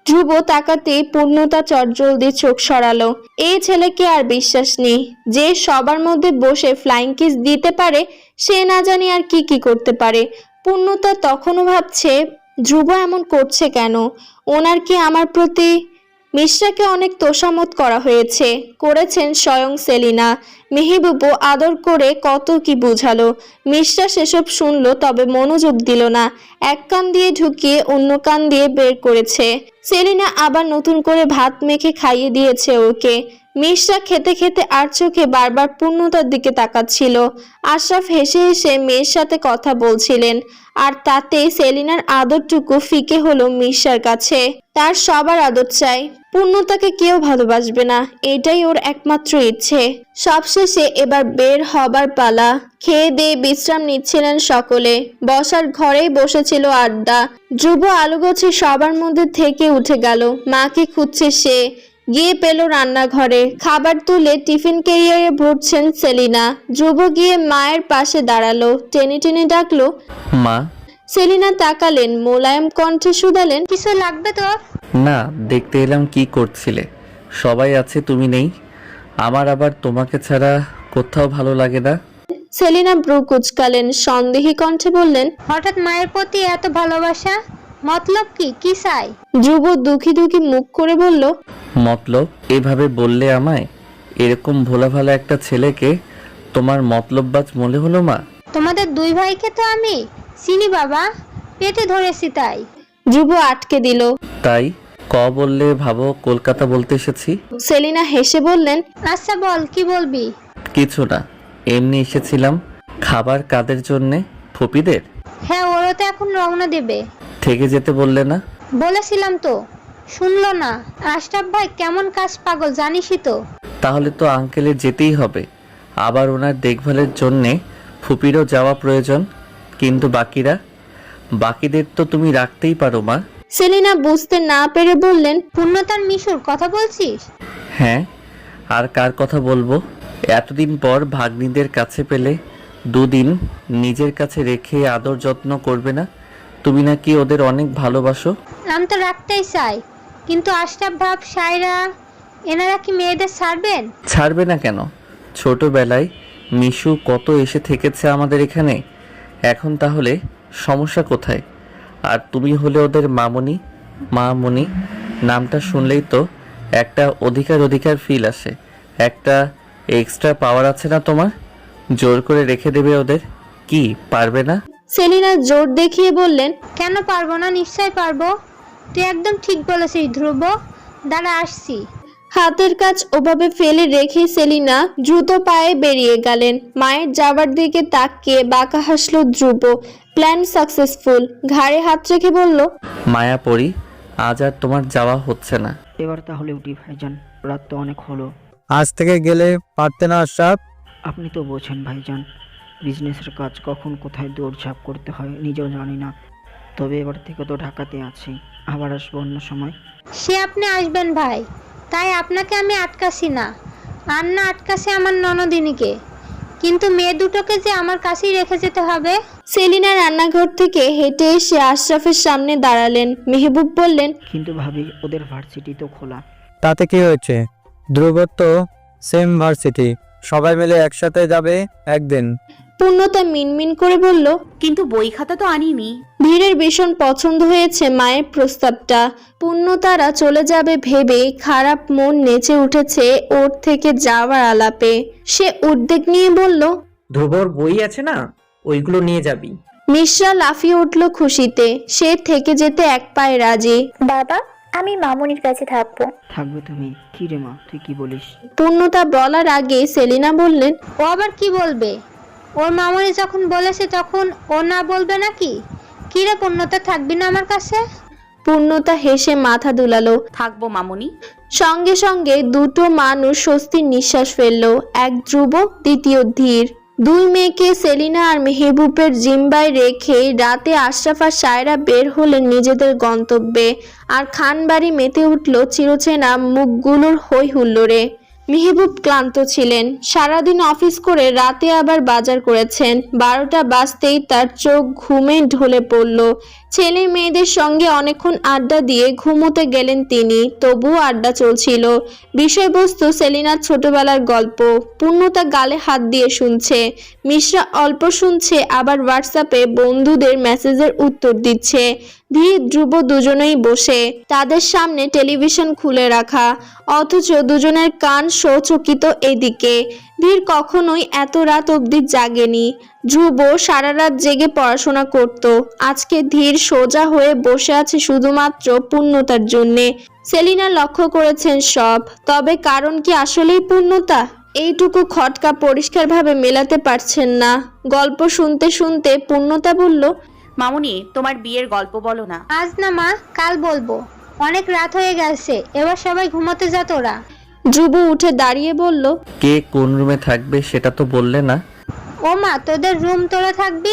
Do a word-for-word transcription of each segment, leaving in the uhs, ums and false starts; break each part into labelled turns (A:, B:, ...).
A: ধ্রুব তাকাতেই পূর্ণতা চটজলদি চোখ সরালো। এই ছেলেকে আর বিশ্বাস নেই। যে সবার মধ্যে বসে ফ্লাইং কিস দিতে পারে সে না জানি আর কি কি করতে পারে। পূর্ণতা তখনও ভাবছে ধ্রুব এমন করছে কেন, ওনার কি আমার প্রতি। মিশ্রাকে অনেক তোষামত করা হয়েছে, করেছেন স্বয়ং সেলিনা। মেহবুবও আদর করে কত কি বুঝালো। মিশ্রা সেসব শুনলো তবে মনোযোগ দিল না। এক কান দিয়ে ঢুকিয়ে অন্য কান দিয়ে বের করেছে। সেলিনা আবার নতুন করে ভাত মেখে খাইয়ে দিয়েছে ওকে। মিশ্রা খেতে খেতে আর চোখে বারবার পূর্ণতার দিকে তাকাচ্ছিল। আশরাফ হেসে হেসে মেয়ের সাথে কথা বলছিলেন, আর তাতে সেলিনার আদরটুকু ফিকে হলো মিশ্রার কাছে। তার সবার আদর চাই, পূর্ণতাকে কেউ ভালোবাসবে না, এটাই ওর একমাত্র ইচ্ছে। সবশেষে এবার বের হবার পালা। খেয়ে দিয়ে বিশ্রাম নিচ্ছিলেন সকলে। বসার ঘরেই বসেছিল আড্ডা। ধ্রুব আলুগোছে সবার মধ্যে থেকে উঠে গেল। মাকে খুঁজছে সে। গিয়ে পেল রান্নাঘরে। খাবার তুলে টিফিন ক্যারিয়ারে ভরছেন সেলিনা। ধ্রুব গিয়ে মায়ের পাশে দাঁড়ালো, টেনে টেনে ডাকলো,
B: মা।
A: সেলিনা তাকালেন, মোলায়েম কণ্ঠে শুধালেন,
C: কিছু লাগবে তোর?
B: না, দেখতে এলাম কি করছিলে। সবাই আছে, তুমি নেই। আমার আবার তোমাকে ছাড়া কোথাও ভালো লাগে না।
A: সেলিনা ব্রু কুচকালেন, সন্দেহী কণ্ঠে বললেন,
C: হঠাৎ মায়ের প্রতি এত ভালোবাসা, মতলব কি? কি চাই?
A: ধ্রুব দুঃখী দুঃখী মুখ করে বলল,
B: মতলব? এভাবে বললে আমায়? এরকম ভোলা ভালা একটা ছেলেকে তোমার মতলববাজ মনে হলো মা?
C: তোমাদের দুই ভাইকে তো আমি চিনি বাবা, পেটে ধরেছি তাই।
A: ধ্রুব আটকে দিল।
B: তাই ক বললে ভাবো কলকাতা বলতে এসেছি?
A: সেলিনা হেসে বললেন,
C: আচ্ছা বল, কি বলবি?
B: কিছু না, এমনি এসেছিলাম। খাবার কাদের জন্যে? ফুপিদের?
C: হ্যাঁ, ওরা তো এখন রওনা দেবে।
B: থেকে যেতে বললে না?
C: বলেছিলাম তো, শুনলো না। আশরাফ ভাই কেমন কাজ পাগল জানিসই তো।
B: তাহলে তো আঙ্কেলের যেতেই হবে। আবার ওনার দেখভালের জন্যে ফুপিরও যাওয়া প্রয়োজন। কিন্তু বাকিরা? বাকিদের তো তুমি রাখতেই পারো মা।
A: সেলিনা বুঝতে না পেরে বললেন,
C: পূর্ণতার মিশুর কথা বলছিস?
B: হ্যাঁ, আর কার কথা বলবো? এতদিন পর ভাগ্নিদের কাছে পেলে দুদিন নিজের কাছে রেখে আদর যত্ন করবে না? তুমি নাকি ওদের অনেক ভালোবাসো।
C: আমি তো রাখতেই চাই, কিন্তু আশরাফ ভাব, সায়রা, এনারা কি মেয়েদের ছাড়বেন?
B: ছাড়বে না কেন? ছোটবেলায় মিশু কত এসে থেকেছে আমাদের এখানে। এখন তাহলে সমস্যা কোথায়? আর তুমি হলে ওদের মামনি। মামনি নামটা শুনলেই তো একটা অধিকার অধিকার ফিল আসে, একটা এক্সট্রা পাওয়ার আছে না তোমার? জোর করে রেখে দেবে ওদের? কি পারবে না?
A: সেলিনা জোর দেখিয়ে বললেন,
C: কেন পারবো না? নিশ্চয় পারবো। তুই একদম ঠিক বলেছিস ধ্রুব। দাঁড়া, আসছি।
A: হাতের কাজ ওভাবে ফেলে রেখে সেলিনা দ্রুত পায়ে বেরিয়ে গেলেন। মায়ের যাবার দিকে তাকিয়ে বাঁকা হাসল ধ্রুব। Plan successful. ঘাড়ে হাত রেখে বলল,
B: মায়া পড়ি, আজ আর তোমার যাওয়া হচ্ছে না।
D: এবার তাহলে উঠি ভাইজান, রাত তো অনেক হলো।
E: আজ থেকে গেলে পারতে না আশরাফ?
D: আপনি তো বোঝেন ভাইজান, বিজনেসের কাজ কখন কোথায় দৌড়ঝাঁপ করতে হয় নিজেও জানি না। তবে এবার থেকে তো ঢাকাতে আছি, আবার আসবো অন্য সময়।
C: সে আপনি আসবেন ভাই, তাই আপনাকে আমি আটকাছি না। আর না আটকাছি আমার ননদিনীকে, কিন্তু মেয়ে দুটোকে যে আমার কাছেই রেখে যেতে হবে।
A: সেলিনা রান্নাঘর থেকে হেঁটে এসে আশরাফের সামনে দাঁড়ালেন। মেহবুব বললেন,
D: কিন্তু ভাবি, ওদের ভার্সিটি তো খোলা।
E: তাতে কি হয়েছে? ধ্রুবর তো সেম ভার্সিটি, সবাই মিলে একসাথে যাবে একদিন।
A: পূর্ণতা মিনমিন করে বলল,
F: কিন্তু বই খাতা তো আনিনি।
A: ভীরের ভীষণ পছন্দ হয়েছে মায়ের প্রস্তাবটা। পূর্ণতারা চলে যাবে ভেবে খারাপ মন নেচে উঠেছে ওর থেকে যাওয়ার আলাপে। সে উদ্বেগ নিয়ে বলল,
G: ধ্রুবর বই আছে না, ওইগুলো নিয়ে যাবি।
A: মিশ্রা লাফিয়ে উঠল খুশিতে। সে থেকে যেতে এক পায়ে রাজি।
H: বাবা, আমি মামুনির কাছে থাকবো।
D: থাকবে তুমি? কি রে মা, তুই কি বলিস?
A: পূর্ণতা বলার আগে সেলিনা বললেন,
C: ও আবার কি বলবে? ওর মামনি যখন বলেছে তখন ও না বলবে নাকি? কি রে পূর্ণতা, থাকবি না আমার কাছে?
A: পূর্ণতা হেসে মাথা দুলালো।
F: থাকবো মামুনি।
A: সঙ্গে সঙ্গে দুটো মানুষ স্বস্তির নিঃশ্বাস ফেললো। এক ধ্রুব, দ্বিতীয় ধীর। দুই মেয়েকে সেলিনা আর মেহবুবের জিম্বায় রেখে রাতে আশরাফ আর সায়রা বের হলেন নিজেদের গন্তব্যে। আর খানবাড়ি মেতে উঠল চিরচেনা মুখগুলোর হই হুল্লোড়ে। মেহবুব ক্লান্ত ছিলেন, সারাদিন অফিস করে রাতে আবার বাজার করেছেন। বারোটা বাজতেই তার চোখ ঘুমে ঢলে পড়ল। ছেলে মেয়েদের সঙ্গে অনেকক্ষণ আড্ডা দিয়ে ঘুমোতে গেলেন তিনি, তবুও আড্ডা চলছিল। বিষয়বস্তু সেলিনার ছোটবেলার গল্প। পূর্ণতা গালে হাত দিয়ে শুনছে, মিশ্রা অল্প শুনছে, আবার হোয়াটসঅ্যাপে বন্ধুদের মেসেজের উত্তর দিচ্ছে। ধীর ধ্রুব দুজনেই বসে, তাদের সামনে টেলিভিশন খুলে রাখা, অথচ দুজনের কান সচকিত এদিকে। ধীর কখনোই এত রাত অবধি জাগেনি। ধ্রুব সারা রাত জেগে পড়াশোনা করত, আজকে ধীর সোজা হয়ে বসে আছে শুধুমাত্র পূর্ণতার জন্যে। সেলিনা লক্ষ্য করেছেন সব, তবে কারণ কি আসলেই পূর্ণতা? এইটুকু খটকা পরিষ্কারভাবে মেলাতে পারছেন না। গল্প শুনতে শুনতে পূর্ণতা বলল,
F: মামুনি, তোমার বিয়ের গল্প বলো না।
C: আজ না মা, কাল বলবো। অনেক রাত হয়ে গেছে, এবার সবাই ঘুমোতে যা তোরা।
A: ধ্রুব উঠে দাঁড়িয়ে বলল,
B: কে কোন রুমে থাকবে সেটা তো বললে না।
C: ও মা, তোদের রুম তোরা থাকবি,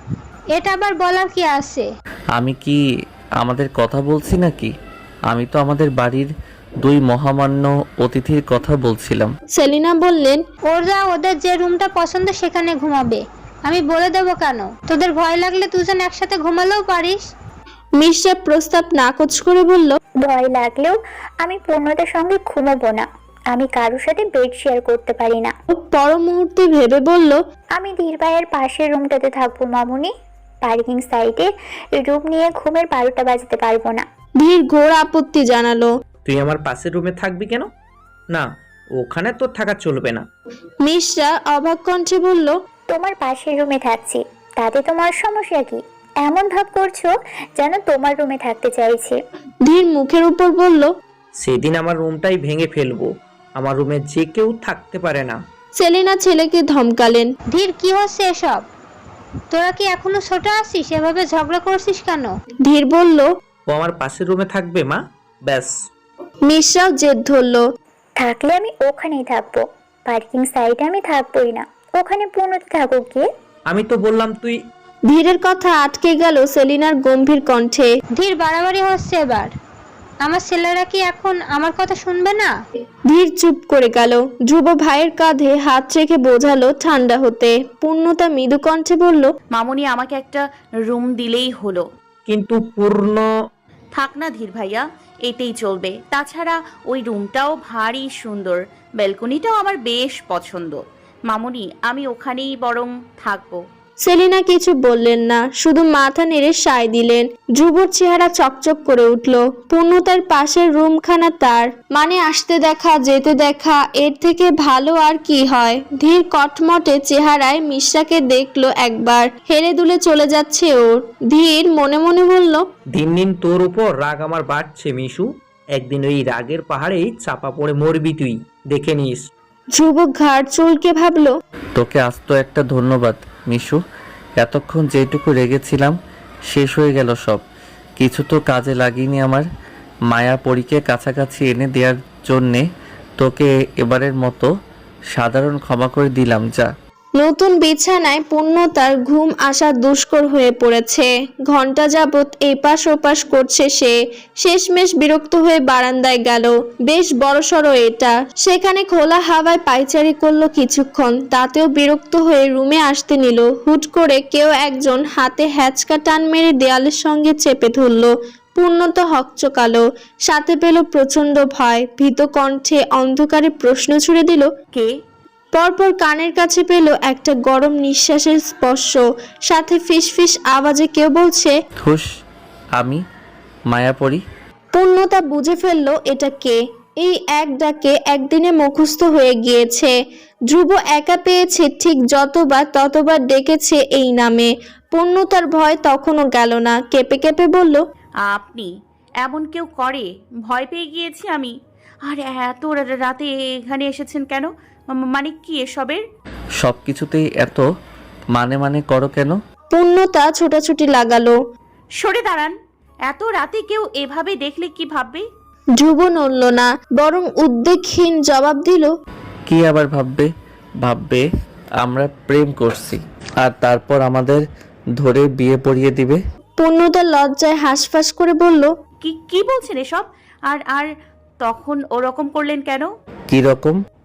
C: এটা আবার বলার কি আছে?
B: আমি কি আমাদের কথা বলছি নাকি? আমি তো আমাদের বাড়ির দুই মহামান্য অতিথির কথা বলছিলাম।
A: সেলিনা বললেন,
C: ওরা ওদের যে রুমটা পছন্দ সেখানে ঘুমাবে, আমি বলে দেবো কেন? তোদের ভয় লাগলে দুজন একসাথে ঘুমালেও পারিস।
A: মিশ্রা প্রস্তাব নাকচ করে বলল,
H: ভয় লাগলেও আমি পূর্ণতার সঙ্গে ঘুমাবো না। আমি কারোর সাথে বেড শেয়ার করতে পারি না।
A: পর মুহূর্তে ভেবে বলল,
H: আমি ধীর ভাইয়ের পাশের রুমটাতে থাকবো মামুনি। পার্কিং সাইডে রুম নিয়ে ঘুমের বারোটা বাজাতে পারবো না।
A: ধীর ঘোর আপত্তি জানালো।
G: তুই আমার পাশের রুমে থাকবি কেন? না, ওখানে তোর থাকা চলবে না।
A: মিশ্রা অবাক কণ্ঠে বলল,
H: তোমার পাশের রুমে থাকছি, তাতে তোমার সমস্যা কি? এমন ভাব করছো যেন তোমার রুমে থাকতে চাইছি।
A: ধীর মুখের উপর বলল,
G: সেদিন আমার রুমটাই ভেঙে ফেলবো। আমার রুমে যে কেউ থাকতে পারে না।
A: সেলিনা ছেলেকে ধমকালেন।
C: ধীর, কি হচ্ছে এসব? তোরা কি এখনো ছোট আছিস? এভাবে ঝগড়া করছিস কেন?
A: ধীর বলল,
G: ও আমার পাশের রুমে থাকবে মা, ব্যাস।
A: মিশ্রাও জেদ ধরল।
H: থাকলে আমি ওখানেই থাকবো, পার্কিং সাইডে আমি থাকবোই না। ওখানে পূর্ণতা থাকুক গিয়ে।
G: আমি তো বললাম তুই।
A: ধীরের কথা আটকে গেল সেলিনার গম্ভীর কণ্ঠে।
C: ধীর, বাড়াবাড়ি হচ্ছে এবার। আমার ছেলেরা কি এখন আমার কথা শুনবে না?
A: ধীর চুপ করে গেল। ধ্রুব ভাইয়ের কাঁধে হাত রেখে বোঝালো ঠান্ডা হতে। পূর্ণতা মৃদু কণ্ঠে বলল,
F: মামুনি, আমাকে একটা রুম দিলেই হলো।
G: কিন্তু পূর্ণ।
F: থাক না ধীর ভাইয়া, এতেই চলবে। তাছাড়া ওই রুমটাও ভারী সুন্দর, ব্যালকনিটাও আমার বেশ পছন্দ। মামুনি, আমি ওখানেই বরং থাকবো।
A: সেলিনা কিছু বললেন না, শুধু মাথা নেড়ে সায় দিলেন। ধ্রুবর চেহারা চকচক করে উঠল। পূর্ণতার পাশের রুমখানা তার, মানে আসতে দেখা যেতে দেখা, এর থেকে ভালো আর কি হয়? ধীর কটমটে চেহারায় মিশ্রাকে দেখলো একবার, হেলে দুলে চলে যাচ্ছে ওর। ধীর মনে মনে বলল,
G: দিন দিন তোর উপর রাগ আমার বাড়ছে মিশু। একদিন ওই রাগের পাহাড়েই চাপা পড়ে মরবি তুই, দেখে নিস।
A: ধ্রুব ঘাড় চুলকে ভাবলো,
B: তোকে আজ তো একটা ধন্যবাদ মিশু। এতক্ষণ যেটুকু রেগেছিলাম শেষ হয়ে গেল সব। কিছু তো কাজে লাগিনি আমার। মায়া পরীকে কাছাকাছি এনে দেওয়ার জন্যে তোকে এবারের মতো সাধারণ ক্ষমা করে দিলাম, যা।
A: নতুন বিছানায় পূর্ণতার ঘুম আসা দুষ্কর হয়ে পড়েছে। ঘন্টা যাবৎ এপাশ ওপাশ করছে সে। শেষমেশ বিরক্ত হয়ে বারান্দায় গেল। বেশ বড়সড় এটা। সেখানে খোলা হাওয়ায় পায়চারি করলো কিছুক্ষণ, তাতেও বিরক্ত হয়ে রুমে আসতে নিল। হুট করে কেউ একজন হাতে হ্যাচকা টান মেরে দেয়ালের সঙ্গে চেপে ধরল। পূর্ণতা হকচকালো, সাথে পেল প্রচন্ড ভয়। ভীত কণ্ঠে অন্ধকারে প্রশ্ন ছুড়ে দিল,
F: কে?
A: পরপর কানের কাছে পেল একটা গরম নিঃশ্বাসের স্পর্শ, সাথে ফিসফিস আওয়াজে কেউ বলছে,
B: হুশ, আমি মায়াপরি।
A: পূর্ণতা বুঝে ফেলল এটা কে। এই এক ডাকে একদিনে মুখস্থ হয়ে গিয়েছে। ধ্রুব একা পেয়েছে ঠিক যতবার ততবার ডেকেছে এই নামে। পূর্ণতার ভয় তখনও গেল না, কেঁপে কেঁপে বলল,
F: আপনি? এমন কেউ করে? ভয় পেয়ে গিয়েছি আমি। আর এত রা- রাতে এখানে এসেছেন কেন? মা- মানে কি এসবের?
B: সব কিছুতেই এত মানে মানে করো কেন?
A: পূর্ণতা ছোটাছুটি লাগালো।
F: সরে দাঁড়ান। এত রাতে কেউ এভাবে দেখলে কি ভাববে?
A: ধ্রুব নড়ল না, বরং উদ্বেগহীন জবাব দিল,
B: কি আবার ভাববে? ভাববে আমরা প্রেম করছি, আর তারপর আমাদের ধরে বিয়ে পড়িয়ে দিবে।
A: পূর্ণতা লজ্জায় হাঁসফাঁস করে বলল,
F: কি কি বলছেন এসব? আর আর তখন ওরকম করলেন কেন?
B: কি রকম?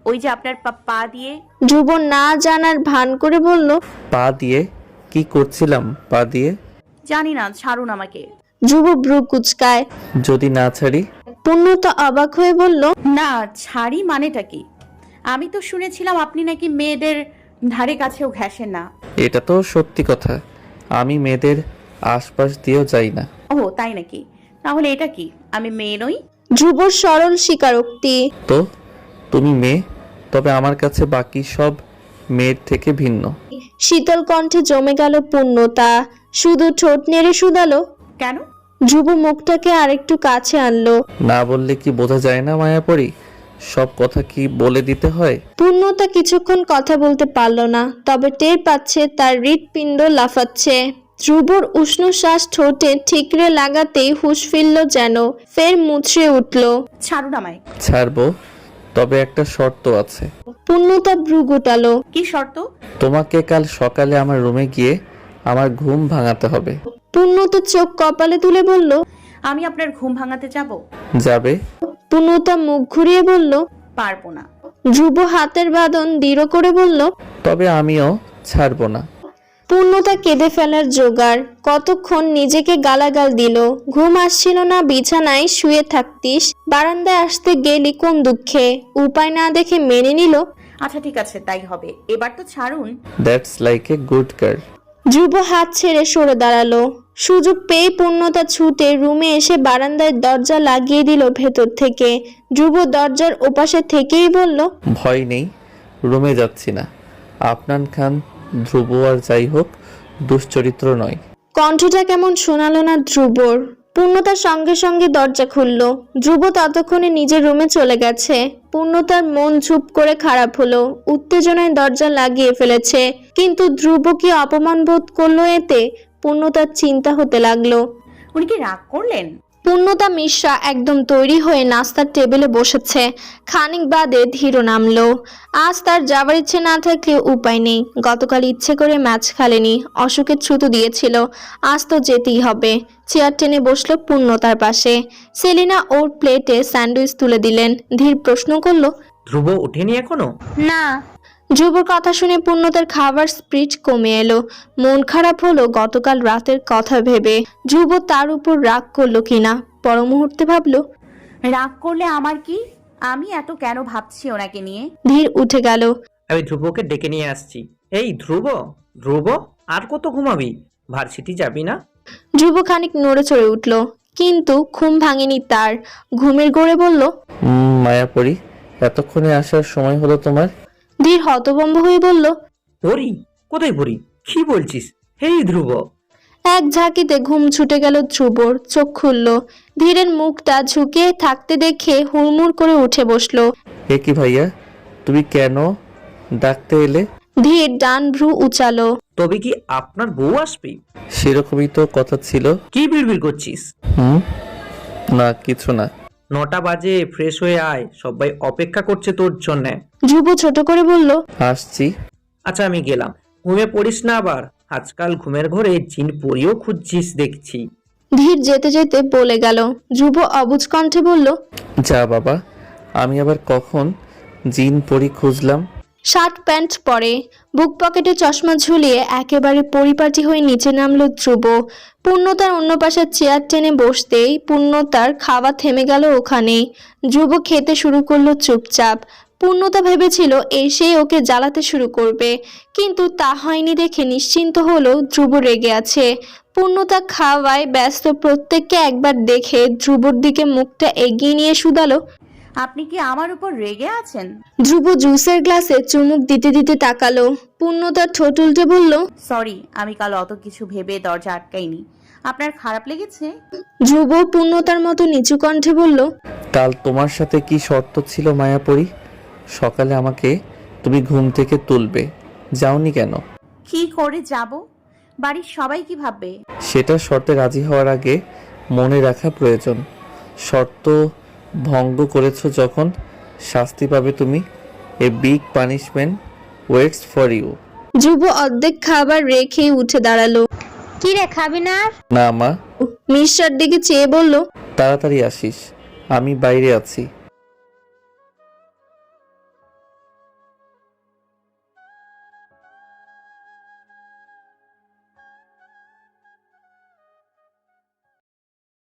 F: ওই যে আপনার পা- পা দিয়ে।
A: ধ্রুব না জানার ভান করে বলল।
B: পা দিয়ে কি করছিলাম পা দিয়ে?
F: জানি না, ছাড়ুন আমাকে।
A: ধ্রুব ভ্রু কুচকায়।
B: যদি না ছাড়ি?
A: পূর্ণতা অবাক হয়ে বলল।
F: না ছাড়ি মানেটা কি? আমি তো শুনেছিলাম আপনি নাকি মেয়েদের ধারে কাছেও ঘেঁষেন না।
B: এটা তো সত্যি কথা, আমি মেয়েদের আশপাশ দিয়েও যাই না।
F: ও তাই নাকি? তাহলে এটা কি, আমি মেয়ে নই?
A: ধ্রুবর সরল স্বীকারোক্তি।
B: তো তুমি মেয়ে, তবে আমার কাছে বাকি সব মেয়ের থেকে ভিন্ন।
A: শীতল কণ্ঠে জমে গেল পূর্ণতা, শুধু ঠোঁট নেড়ে শুধালো।
F: কেন?
A: ধ্রুব মুখটাকে আরেকটু কাছে আনলো।
B: না বললে কি বোঝা যায় না মায়াপরি? সব কথা কি বলে দিতে হয়?
A: পূর্ণতা কিছুক্ষণ কথা বলতে পারল না, তবে টের পাচ্ছে তার হৃৎপিণ্ড লাফাচ্ছে। ধ্রুবর উষ্ণ শ্বাস ঠোঁটে ঠিকরে লাগাতেই হুঁশ ফিরল যেন, ফের মুচড়ে উঠল।
F: ছাড়ুন আমায়।
B: ছাড়বো, তবে একটা শর্ত আছে।
A: পূর্ণতা ভ্রু গুটালো।
F: কি শর্ত?
B: তোমাকে কাল সকালে আমার রুমে গিয়ে আমার ঘুম ভাঙাতে হবে।
A: পূর্ণতা চোখ কপালে তুলে বলল।
F: আমি আপনার ঘুম ভাঙাতে যাব?
B: যাবে?
A: পূর্ণতা মুখ ঘুরিয়ে বলল।
F: পারবো না।
A: ধ্রুব হাতের বাঁধন দৃঢ় করে বলল।
B: তবে আমিও ছাড়বো না।
A: পূর্ণতা কেঁদে ফেলার জোগাড়, কতক্ষণ নিজেকে গালাগাল দিল। ঘুম আসছিল না, বিছানায় শুয়ে থাকতিস, বারান্দায় আসতে গেলি কোন দুঃখে, উপায় না দেখে মেনে নিল।
F: আচ্ছা ঠিক আছে, তাই হবে, এবার তো ছাড়ুন।
B: That's like a good girl.
A: Dhruv হাত ছেড়ে সরে দাঁড়ালো। সুযোগ পেয়ে পূর্ণতা ছুটে রুমে এসে বারান্দায় দরজা লাগিয়ে দিল ভেতর থেকে। ধ্রুব দরজার ওপাশে থেকেই বলল।
B: ভয় নেই, রুমে যাচ্ছি না। আফনান খান ধ্রুব আর যাই হোক দুশ্চরিত্র নয়।
A: কণ্ঠটা কেমন শোনালো না ধ্রুবর। পূর্ণতার সঙ্গে সঙ্গে দরজা খুলল। ধ্রুব ততক্ষণে নিজের রুমে চলে গেছে। পূর্ণতার মন চুপ করে খারাপ হলো, উত্তেজনায় দরজা লাগিয়ে ফেলেছে। কিন্তু ধ্রুব কি অপমান বোধ করলো এতে? পূর্ণতার চিন্তা হতে লাগলো।
F: উনি কি রাগ করলেন?
A: পূর্ণতা মিশ্রা একদম তৈরি হয়ে নাস্তার টেবিলে বসেছে। খানিক বাদে ধীর নামলো। আজ তার যাবার ইচ্ছে না থাকলেও উপায় নেই। গতকাল ইচ্ছে করে ম্যাচ খেলেনি, অসুখের ছুতো দিয়েছিল, আজ তো যেতেই হবে। চেয়ার টেনে বসলো পূর্ণতার পাশে। সেলিনা ওর প্লেটে স্যান্ডউইচ তুলে দিলেন। ধীর প্রশ্ন করলো।
G: ধ্রুব ওঠেনি এখনো?
C: না।
A: ধ্রুবর কথা শুনে পূর্ণতার খাবার স্পিরিট কমে এলো। মন খারাপ হলো গতকাল রাতের কথা ভেবে। ধ্রুব তার উপর রাগ করলো কিনা পর মুহূর্তে ভাবলো।
F: রাগ করলে আমার কি? আমি এত কেন ভাবছি ওনাকে নিয়ে?
A: ধীর উঠে গেল।
G: আমি ধ্রুবকে ডেকে নিয়ে আসছি। এই ধ্রুব, ধ্রুব আর কত ঘুমাবি? ভার্সিটি যাবি না?
A: ধ্রুব খানিক নড়ে চড়ে উঠল, কিন্তু ঘুম ভাঙেনি তার। ঘুমের গড়ে বলল।
B: উম, মায়াপরি, এতক্ষণে আসার সময় হলো তোমার?
A: ধীর হতভম্ব হয়ে বলল।
G: পড়ি? কোথায় পড়ি? কি বলছিস? হেই ধ্রুব!
A: এক ঝাঁকিতে ঘুম ছুটে গেল ধ্রুবর। চোখ খুলল। ধীরের মুখটা ঝুঁকে থাকতে দেখে হুড়মুড় করে উঠে বসলো।
B: এ কি ভাইয়া, তুমি কেন ডাকতে এলে?
A: ধীর ডান ভ্রু উচালো।
G: তবে কি আপনার বউ আসবে?
B: সেরকমই তো কথা ছিল।
G: কি বিড়বিড় করছিস?
B: হুম, না কিছু না।
G: নটা বাজে, ফ্রেশ হয়ে আয়, সবাই অপেক্ষা করছে তোর জন্যে।
A: ধ্রুব ছোট করে বলল।
B: আসছি।
G: আচ্ছা আমি গেলাম। ঘুমে পড়িস না আবার। আজকাল ঘুমের ঘরে জিন পরিও খুঁজছিস দেখছি।
A: ধীর যেতে যেতে বলে গেল। ধ্রুব অবুঝ কণ্ঠে বলল।
B: যা বাবা, আমি আবার কখন জিন পরি খুঁজলাম?
A: শার্ট প্যান্ট পরে, বুক পকেটে চশমা ঝুলিয়ে একেবারে পরিপাটি হয়ে নিচে নামলো ধ্রুব। পূর্ণতার অন্য পাশে চেয়ার টেনে বসতেই পূর্ণতার খাওয়া থেমে গেল ওখানেই। ধ্রুব খেতে শুরু করলো চুপচাপ। পূর্ণতা ভেবেছিল এসেই ওকে জ্বালাতে শুরু করবে, কিন্তু তা হয়নি দেখে নিশ্চিন্ত হলো ধ্রুব রেগে আছে। পূর্ণতা খাওয়ায় ব্যস্ত প্রত্যেককে একবার দেখে ধ্রুবর দিকে মুখটা এগিয়ে নিয়ে শুধালো।
F: আপনি কি আমার উপর রেগে আছেন?
A: ধ্রুব জুসের গ্লাসে চুমুক দিতে দিতে তাকালো। পূর্ণতার ঠোঁট উল্টে বলল।
F: সরি, আমি কাল অত কিছু ভেবে দরজা আটকাইনি। আপনার খারাপ লেগেছে?
A: ধ্রুব পূর্ণতার মতো নিচু কণ্ঠে বলল।
B: কাল তোমার সাথে কি শর্ত ছিল মায়াপরি? সকালে আমাকে তুমি ঘুম থেকে তুলবে, যাওনি কেন?
F: কি করে যাব? বাড়ির সবাই কি ভাববে?
B: সেটা শর্তে রাজি হওয়ার আগে মনে রাখা প্রয়োজন। শর্ত ভঙ্গ করেছো যখন শাস্তি পাবে তুমি। A big punishment waits for you.
A: Dhruv অর্ধেক খাবার রেখে উঠে দাঁড়ালো।
C: কি রে, খাবি না আর?
B: না মা।
A: মিশ্রার দিকে চেয়ে বলল।
B: তাড়াতাড়ি আসিস, আমি বাইরে আছি।